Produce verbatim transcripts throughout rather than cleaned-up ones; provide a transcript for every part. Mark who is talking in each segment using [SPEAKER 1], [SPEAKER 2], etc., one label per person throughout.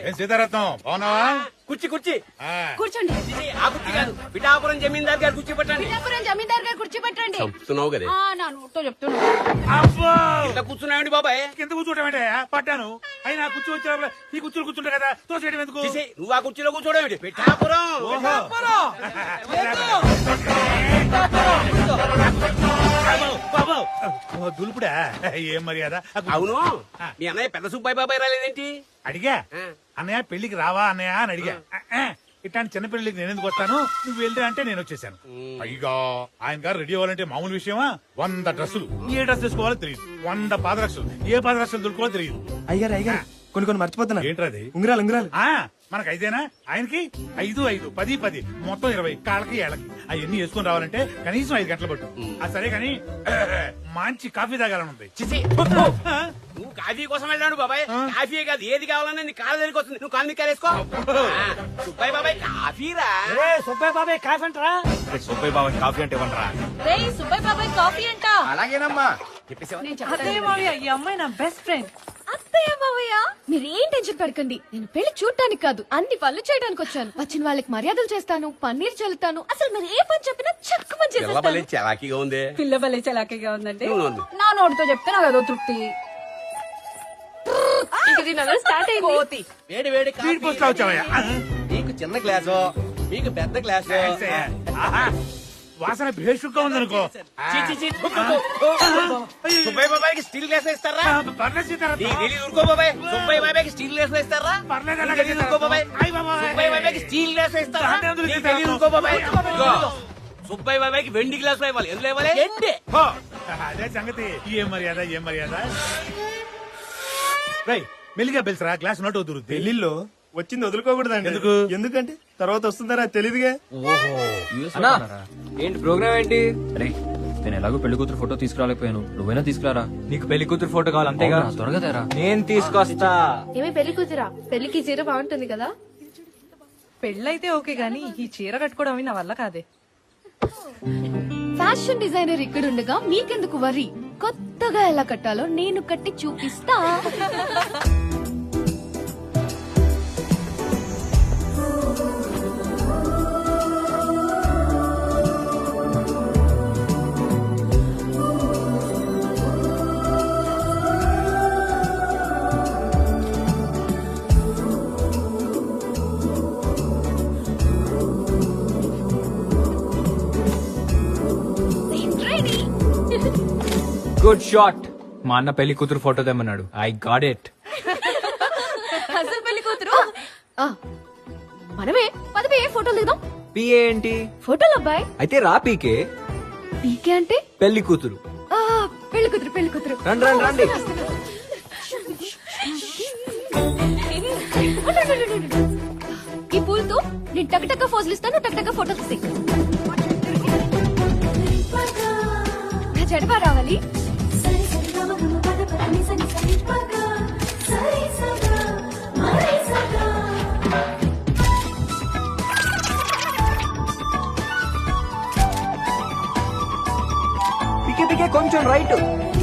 [SPEAKER 1] సీతారత్నం బాగున్నావా?
[SPEAKER 2] కుర్చీ కుర్చీ
[SPEAKER 3] కూర్చోండి.
[SPEAKER 2] ఆ కుర్చీ కాదు, పిఠాపురం జమీందార్ గారు కుర్చీ పట్టండి.
[SPEAKER 3] పిఠాపురం జమీందార్ గారు కుర్చీ పెట్టండి.
[SPEAKER 2] చెప్తున్నావు కదా,
[SPEAKER 3] ఆ, నా నోటితో చెప్తున్నా.
[SPEAKER 2] ఇట్లా కూర్చున్నాయండి బాబాయ్.
[SPEAKER 1] కింద కూర్చోటమేంటే పట్టాను అయినా కూర్చో వచ్చే ఈ కూర్చుని కూర్చుంటా కదా తోసేయడం ఎందుకు?
[SPEAKER 2] చేసే, నువ్వు ఆ కుర్చీలో కూర్చోడేమిటి? పిఠాపురం
[SPEAKER 1] ఓహో. బాబు, ఓ, దులుపుడా ఏం మర్యాద?
[SPEAKER 2] అవును, మీ అన్నయ్య పెద్ద సుబ్బాయి బాబాయ్ రాలేదేంటి?
[SPEAKER 1] అడిగా అన్నయ్య పెళ్లికి రావా అన్నయ్య అని అడిగా. ఇట్లాంటి చిన్న పెళ్లికి నేను ఎందుకు వస్తాను, నువ్వు వెళ్ళి అంటే నేను వచ్చేసాను. పైగా ఆయన గారు రెడీ అవ్వాలంటే మామూలు విషయమా? వంద డ్రెస్సులు, ఏ డ్రెస్ వేసుకోవాలో తెలియదు. వంద పాదరక్షలు, ఏ పాదరక్షలు దొరుకోవాలో తెలియదు.
[SPEAKER 4] అయ్యారు అయ్యారు కొన్ని కొన్ని మర్చిపోతున్నా.
[SPEAKER 1] ఏంట్రది?
[SPEAKER 4] ఉంగరాలు ఉంగరాలు.
[SPEAKER 1] ఆ మనకు ఐదేనా, ఆయనకి ఐదు ఐదు పది పది మొత్తం ఇరవై. కాళ్ళకి ఏళ్ళకి అవన్నీ వేసుకుని రావాలంటే కనీసం ఐదు గంటలు పట్టు. ఆ సరే కాని మంచి కాఫీ తాగాలనుంది.
[SPEAKER 2] చిచి, నువ్వు కాఫీ కోసం వెళ్ళాడు బాబాయ్. కాఫీ కాదు, ఏది కావాలన్నా నీ కాళ్ళ దగ్గరికి వస్తుంది. నువ్వు కాళ్ళు నిక్కారేసుకో. సుబ్బాయి బాబాయ్ కాఫీరా.
[SPEAKER 5] సుబ్బయ్య బాబాయ్ కాఫీ అంటారా?
[SPEAKER 1] సుబ్బయ్య బాబా కాఫీ అంటే ఇవ్వండిరా.
[SPEAKER 3] రేయ్ సుబ్బయ్య బాబాయ్ కాఫీ అంట.
[SPEAKER 2] అలాగేనమ్మా.
[SPEAKER 3] నేను చెప్తాను.
[SPEAKER 5] అత్తయ్య మావయ్య, ఈ అమ్మాయి నా బెస్ట్ ఫ్రెండ్.
[SPEAKER 3] అత్తయ్య మావయ్య మీరేం టెన్షన్ పడకండి. నేను పెళ్లి చూడటానికి కాదు, అన్ని పనులు చేయడానికి వచ్చాను. వచ్చిన వాళ్ళకి మర్యాదలు చేస్తాను, పన్నీర్ చల్లుతాను. అసలు మీరు ఏ పని చెప్పినా చక్కు పని చేసేస్తాను.
[SPEAKER 2] చలాకీగా ఉంది.
[SPEAKER 5] పిల్ల బలే చలాకీగా ఉందండి.
[SPEAKER 2] నువ్వు
[SPEAKER 5] నా నోటితో చెప్తే నాకు అదో తృప్తి.
[SPEAKER 3] స్టార్ట్ అయింది.
[SPEAKER 2] వేడి వేడి
[SPEAKER 1] స్పీడ్ పోస్ట్ లో వచ్చావయ్యా.
[SPEAKER 2] నీకు చిన్న గ్లాసు, మీకు పెద్ద గ్లాసు.
[SPEAKER 1] ఆహా, వాసన భేషుగ్గా ఉందనుకో.
[SPEAKER 2] సుబ్బయ్య బాబాయ్కి స్టీల్ గ్లాస్ ఇస్తారా?
[SPEAKER 1] పర్లేదు సీతారత్నం.
[SPEAKER 2] నీకు తెలీదు, ఊరుకో బాబాయ్. సుబ్బయ్య బాబాయ్కి స్టీల్ గ్లాస్ ఇస్తారా?
[SPEAKER 1] పర్లేదు
[SPEAKER 2] నీకు
[SPEAKER 1] అలాగే
[SPEAKER 2] తెలీదు, ఊరుకో బాబాయ్.
[SPEAKER 1] అయ్ బాబాయ్.
[SPEAKER 2] సుబ్బయ్య బాబాయ్కి స్టీల్ గ్లాస్ ఇస్తారా?
[SPEAKER 1] దాంట్లో ఎందుకు
[SPEAKER 2] నీకు
[SPEAKER 1] ఇస్తారు?
[SPEAKER 2] తెలీదు, ఊరుకో బాబాయ్. ఇదిగో, సుబ్బయ్య బాబాయ్కి వెండి గ్లాస్ ఇవ్వాలి. ఎందులో ఇవ్వాలి? ఎండి.
[SPEAKER 1] హో, అదే సంగతి. ఏం మర్యాద ఏం మర్యాద. రై మెల్లిగా పిలిచరా, గ్లాస్ నోట్ అవుతుంది.
[SPEAKER 4] పెళ్లిలో వచ్చింది వదులుకోకూడదండి.
[SPEAKER 1] ఎందుకు?
[SPEAKER 4] ఎందుకంటే తర్వాత వస్తుందరా తెలీదుగా.
[SPEAKER 6] ఏంటి ప్రోగ్రామ్ ఏంటి? అరే నేను ఎలాగో పెళ్లి కూతురు ఫోటో తీసుకురాలేకపోయాను, నువ్వైనా తీసుకురారా.
[SPEAKER 7] నీకు పెళ్లి కూతురు ఫోటో కావాలి అంతేగా?
[SPEAKER 6] అవునా, త్వరగా తేరా.
[SPEAKER 7] నేను తీసుకొస్తా.
[SPEAKER 3] ఏమే పెళ్లి కూతురా, పెళ్లికి చీర బాగుంటుంది కదా.
[SPEAKER 5] పెళ్ళైతే ఓకే గానీ ఈ చీర కట్టుకోవడం అవి నా వల్ల కాదే.
[SPEAKER 3] ఫ్యాషన్ డిజైనర్ ఇక్కడ ఉండగా మీకెందుకు వరి. కొత్తగా ఎలా కట్టాలో నేను కట్టి చూపిస్తా.
[SPEAKER 7] Good shot. మా అన్న పెళ్లి కూతురు ఫోటో తెమ్మన్నాడు. I got it.
[SPEAKER 3] అసలు పెళ్లి కూతురు ఆ, మనమే పదవి ఫోటోలు దిగుదాం.
[SPEAKER 7] పిఏ ఏంటి?
[SPEAKER 3] ఫోటోలు అబ్బాయి.
[SPEAKER 7] అయితే రా పీకే.
[SPEAKER 3] పీకే అంటే
[SPEAKER 7] పెళ్లి కూతురు.
[SPEAKER 3] ఆ, పెళ్లి కూతురు పెళ్లి కూతురు.
[SPEAKER 7] రండి రండి రండి.
[SPEAKER 3] ఈ పూలతో నేను టక్ ఫోజులు ఇస్తాను, టక్ టక్ ఫోటోలు తీసి. నా చెడపా రావాలి.
[SPEAKER 7] పికే పికే కొంచెం రైట్.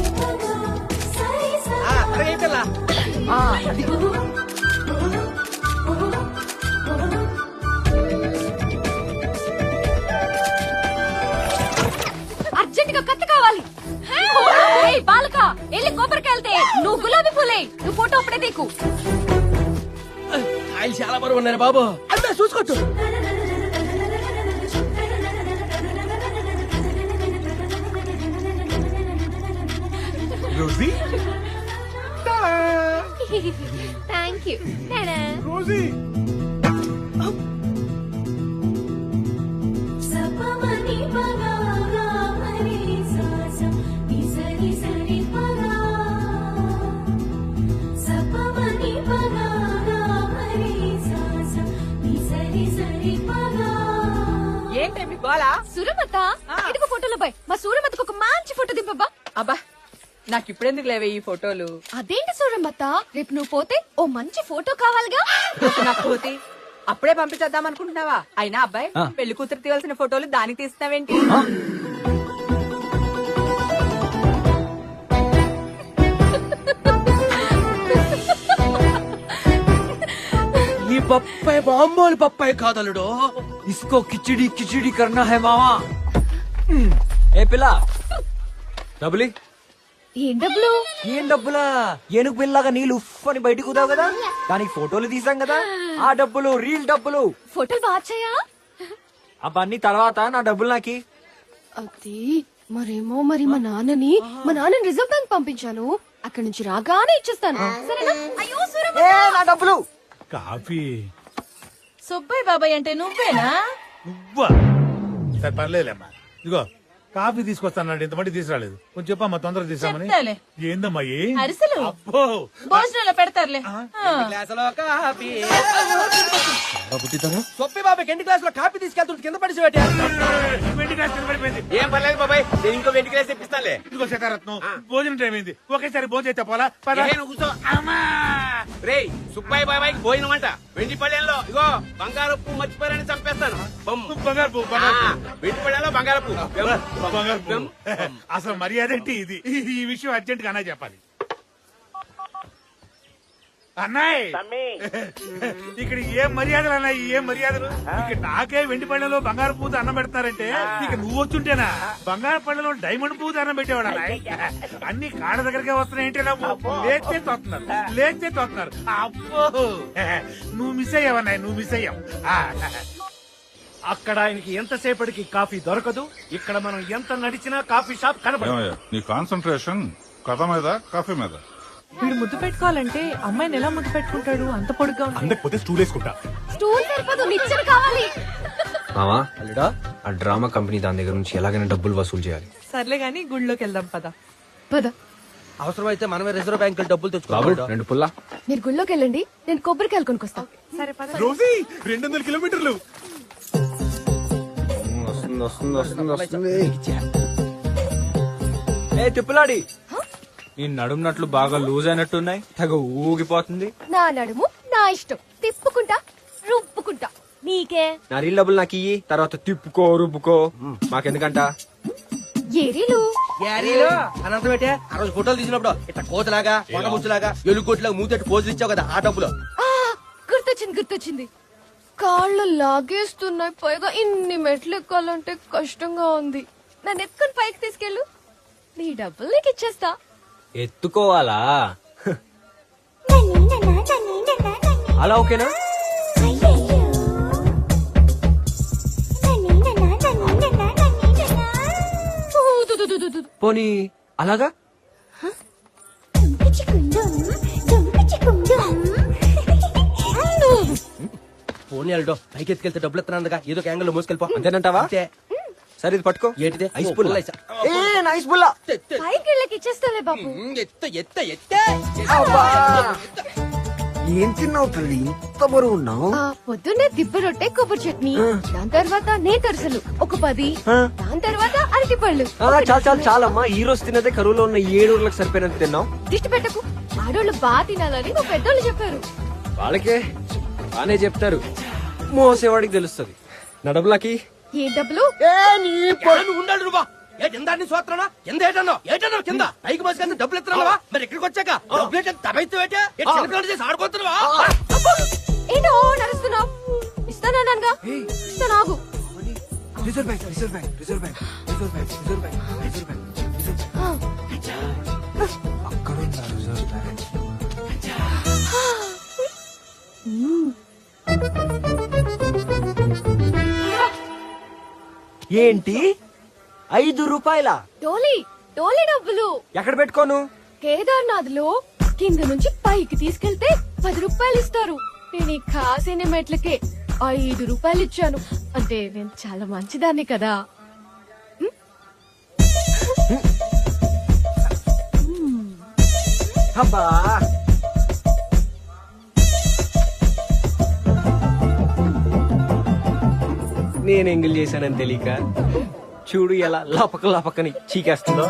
[SPEAKER 3] అర్జెంట్ గా కత్తి కావాలి. ఏయ్ బాలక, వెళ్ళి కొబ్బరికి వెళ్తే నువ్వు గులాబీ పూలే. నువ్వు ఫోటో అప్పుడే తీకు.
[SPEAKER 2] ఆయన చాలా బరువు ఉన్నారు బాబు. అంతా చూసుకోవచ్చు.
[SPEAKER 1] Rosie
[SPEAKER 3] thank you.
[SPEAKER 1] రోజీ
[SPEAKER 5] ఏంటి గోలా?
[SPEAKER 3] సురమత ఇదిగో ఫోటోలో బాయ్. మా సూరమతకు ఒక మంచి ఫోటో దింపబ్బా.
[SPEAKER 5] అబ్బా నాకు ఇప్పుడెందుకు లేవే ఈ ఫోటోలు?
[SPEAKER 3] అదేంటి సూరమత, రేపు నువ్వు పోతే ఓ మంచి ఫోటో కావాలిగా.
[SPEAKER 5] నాకు పోతే అప్పుడే పంపించేద్దాం అనుకుంటున్నావా? అయినా అబ్బాయి పెళ్లి కూతురు తీయాల్సిన ఫోటోలు దానికి తీస్తావేంటి?
[SPEAKER 2] బాంబోలు పప్పాయి కాదలుడు.
[SPEAKER 7] ఇస్కో కిచిడి కిచిడి కర్నా హై మావా. ఏ పిల్ల డబ్బులి.
[SPEAKER 3] ఏం డబ్బులు?
[SPEAKER 7] ఏం డబ్బులా? ఏనుగు పిల్లగా నీళ్ళు ఉఫ్ అని బయటకు కుదావు కదా, దానికి ఫోటోలు తీసాం కదా, ఆ డబ్బులు రీల్ డబ్బులు.
[SPEAKER 3] ఫోటోలు బాచాయా?
[SPEAKER 7] అవన్నీ తర్వాత, నా డబ్బులు నాకి.
[SPEAKER 3] అది మరేమో మరి మా నాన్నని మా నాన్నని రిజర్వ్ బ్యాంక్ పంపించాను, అక్కడి నుంచి రాగానే ఇచ్చేస్తాను సరేనా? అయ్యో సూరమ్మ.
[SPEAKER 7] ఏ నా డబ్బులు.
[SPEAKER 1] కాఫీ
[SPEAKER 5] సుబ్బయ్య బాబాయ్ అంటే నువ్వేనా?
[SPEAKER 1] నువ్వా? సరే పర్లేదమ్మా, ఇదిగో కాఫీ తీసుకొస్తానండి, ఇంతమంది తీసుకురాలేదు. కొంచెం చెప్పమ్మా, తొందరగా తీసామని.
[SPEAKER 5] చెప్తాలే.
[SPEAKER 1] ఏందమ్మా ఏ?
[SPEAKER 5] అరిసెలు
[SPEAKER 1] అబ్బో
[SPEAKER 5] భోజనంలో పెడతారులే.
[SPEAKER 2] గ్లాసులో కాఫీ. సొప్పి బాబాయ్ ఎన్ని గ్లాసులో కాఫీ తీసుకెళ్తుంటే కింద పడిసి పెట్టా.
[SPEAKER 1] వెండి గ్లాస్ కింద పడిపోయింది.
[SPEAKER 2] ఏం పర్లేదు బాబాయ్, నేను ఇంకో వెంటి గ్లాస్ తెప్పిస్తానులే.
[SPEAKER 1] ఇదిగో శేఖరత్నం, భోజనం టైం అయింది, ఒకేసారి భోజనం చేస్తే పోలా? పద.
[SPEAKER 2] ఏ, నువ్వు కూర్చో. రేయ్ సుబ్బాయి బాబాయ్ భోజనం అంట వెండి పళ్ళెంలో. ఇగో బంగారపు మర్చిపోయారని చంపేస్తాను. బొమ్మ.
[SPEAKER 1] బంగారు పువ్వు,
[SPEAKER 2] ఆ,
[SPEAKER 1] బంగారు పువ్వు.
[SPEAKER 2] వెండి పళ్ళెంలో బంగారపు.
[SPEAKER 1] బంగారు పువ్వు. అసలు మర్యాద ఏంటి ఇది? ఈ విషయం అర్జెంట్ గా అన్నయ్య చెప్పాలి. అన్నయ్య, ఇక్కడ ఏం మర్యాదలు అన్నాయి, ఏం మర్యాదలు? ఇక్కడ నాకే వెండి పళ్ళెలో బంగారు పూత అన్నం పెడతారంటే ఇక నువ్వు వచ్చుంటేనా బంగారు పళ్ళెలో డైమండ్ పూత అన్నం పెట్టేవాడు అన్నయ్య. అన్ని కాళ్ళ దగ్గరకే వస్తున్నాయంటే నాకు లేచే తోస్తున్నారు, లేచే తోస్తున్నారు. అబ్బో, నువ్వు మిస్ అయ్యావన్నాయి, నువ్వు మిస్ అయ్యావు.
[SPEAKER 8] అక్కడ ఆయనకి ఎంతసేపటికి కాఫీ దొరకదు, ఇక్కడ మనం ఎంత నడిచినా కాఫీ షాప్ కనబడదు.
[SPEAKER 9] ఏమయ్యా, నీ కాన్సన్ట్రేషన్ కథ మీద కాఫీ మీద.
[SPEAKER 5] వీడు ముద్దు పెట్టుకోవాలంటే అమ్మాయిని ఎలా ముద్దు పెట్టుకుంటాడు? అంత పొడుగ్గా ఉంది.
[SPEAKER 8] అందకపోతే స్టూల్ వేసుకుంటా.
[SPEAKER 3] స్టూల్ సరిపోదు, నిచ్చెన కావాలి.
[SPEAKER 6] మావా అల్లుడా, ఆ డ్రామా కంపెనీ దాని దగ్గర నుంచి ఎలాగైనా డబ్బులు వసూలు చేయాలి.
[SPEAKER 5] సర్లే గాని గుళ్ళోకి వెళ్దాం పద.
[SPEAKER 3] పద.
[SPEAKER 2] అవసరమైతే మనమే రిజర్వ్ బ్యాంక్ డబ్బులు
[SPEAKER 6] బాబు
[SPEAKER 2] తెచ్చుకోవాలి.
[SPEAKER 6] రెండు పుల్లా.
[SPEAKER 3] మీరు గుళ్ళోకి వెళ్ళండి, నేను కొబ్బరికాయలు కొనుక్కొస్తా.
[SPEAKER 5] సరే పద.
[SPEAKER 4] రోజీ రెండు వందల కిలోమీటర్లు.
[SPEAKER 6] వస్తుంది వస్తుంది వస్తుంది వస్తుంది. ఏ తిప్పులాడి,
[SPEAKER 7] నీ నడుమునట్లు బాగా లూజ్ అయినట్టున్నాయి, తెగ ఊగిపోతుంది.
[SPEAKER 3] నా నడుము నా ఇష్టం, తిప్పుకుంటా రుప్పుకుంటా, నీకే.
[SPEAKER 6] నా రీల్ డబ్బులు నాకు ఇయ్యి, తర్వాత తిప్పుకో రుబ్బుకో, మాకెందుకంట.
[SPEAKER 3] ఏరీలు
[SPEAKER 2] యారీలో అనంతం పెట్టే ఆ రోజు ఫోటోలు తీసినప్పుడు ఇట్లా కోతలాగా కొండముచ్చులాగా ఎలుగుకోట్లాగా మూతెట్టు పోజులు ఇచ్చావు కదా, ఆ డబ్బులు.
[SPEAKER 3] ఆ, గుర్తొచ్చింది గుర్తొచ్చింది కాళ్ళు లాగేస్తున్నాయి, పైగా ఇన్ని మెట్లు ఎక్కాలంటే కష్టంగా ఉంది. నన్ను ఎత్తుకుని పైకి తీసుకెళ్ళు, నీ డబ్బులు నీకు ఇచ్చేస్తా.
[SPEAKER 7] ఎత్తుకోవాలా? అలా ఓకేనా?
[SPEAKER 3] ఊ, దు, దు, దు, దు, దు.
[SPEAKER 7] పోనీ అలాగా?
[SPEAKER 2] ఫోన్ వెళ్ళడో పైకి ఎత్తుకెళ్తే డబ్బులు ఎత్తున్నానుగా, ఏదో యాంగిల్ మోసుకెళ్ళిపో.
[SPEAKER 7] అంతేనంటావా?
[SPEAKER 2] అంతే.
[SPEAKER 7] సరే ఇది పట్టుకో.
[SPEAKER 2] ఏంటిది?
[SPEAKER 7] ఐస్
[SPEAKER 2] ఓ,
[SPEAKER 7] పుల్ల.
[SPEAKER 2] పుల్ల ఐసా.
[SPEAKER 7] ఏ నైస్ పుల్ల.
[SPEAKER 3] పైకి వెళ్ళకి ఇచ్చేస్తాలే బాబు.
[SPEAKER 2] ఉమ్, ఎత్త ఎత్త ఎత్తే.
[SPEAKER 6] ఏం తిన్నావు తల్లి, ఇంత బరువు ఉన్నావు?
[SPEAKER 3] ఆ, పొద్దున్నే దిబ్బ రొట్టె కొబ్బరి చట్నీ, దాని తర్వాత నేతరసలు ఒక పది, దాని తర్వాత అరటి పళ్ళు.
[SPEAKER 6] చాలు చాలు చాలమ్మా, ఈ రోజు తిన్నదే కరువులో ఉన్న ఏడు ఊర్లకు సరిపోయినంత తిన్నావు.
[SPEAKER 3] దిష్టి పెట్టకు, ఆడోళ్ళు బాగా తినాలని మా పెద్దోళ్ళు చెప్పారు.
[SPEAKER 6] వాళ్ళకే బానే చెప్తారు, మోసేవాడికి తెలుస్తుంది. నా డబ్బులకి
[SPEAKER 3] ఏ డబ్బులు?
[SPEAKER 2] నువ్వు ఉండాలి నువ్వా? ఏ కింద సోత్రనా కింద ఏటన్నా ఏటన్నా కింద పైకి మోసుకెళ్తే డబ్బులు ఎత్తున్నావా? మరి ఇక్కడికి వచ్చాక డబ్బులు ఏంటంటే తబైతే చిన్నపిల్లలు చేసి ఆడుకోతున్నావా?
[SPEAKER 3] ఏంటో నడుస్తున్నావు? ఇస్తానన్నానుగా, ఇస్తాను ఆగు.
[SPEAKER 6] Reserve bank reserve bank reserve bank reserve bank reserve bank reserve bank reserve bank అక్కడ ఉందా రిజర్వ్ బ్యాంక్? ఏంటి ఐదు రూపాయల
[SPEAKER 3] టోలీ టోలీ డబ్బులు
[SPEAKER 6] ఎక్కడ పెట్టుకోను?
[SPEAKER 3] కేదార్నాథ్ లో కింద నుంచి పైకి తీసుకెళ్తే పది రూపాయలు ఇస్తారు. నేను ఈ కాసిన మెట్లకే ఐదు రూపాయలు ఇచ్చాను. అంటే నేను చాలా మంచిదాన్ని కదా.
[SPEAKER 6] అబ్బా నేను ఎంగిల్ చేశానని తెలియక చూడు ఎలా లపక లపకని చీకేస్తుందో.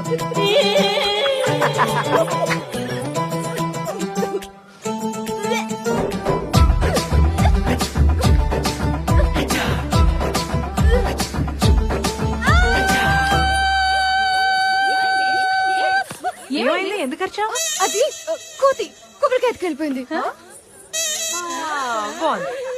[SPEAKER 5] ఏమైంది? ఎందుకు వచ్చావు?
[SPEAKER 3] అది ఆ, కోతి కొబ్బరికాయ ఎత్తుకెళ్ళిపోయింది.
[SPEAKER 5] బాగుంది.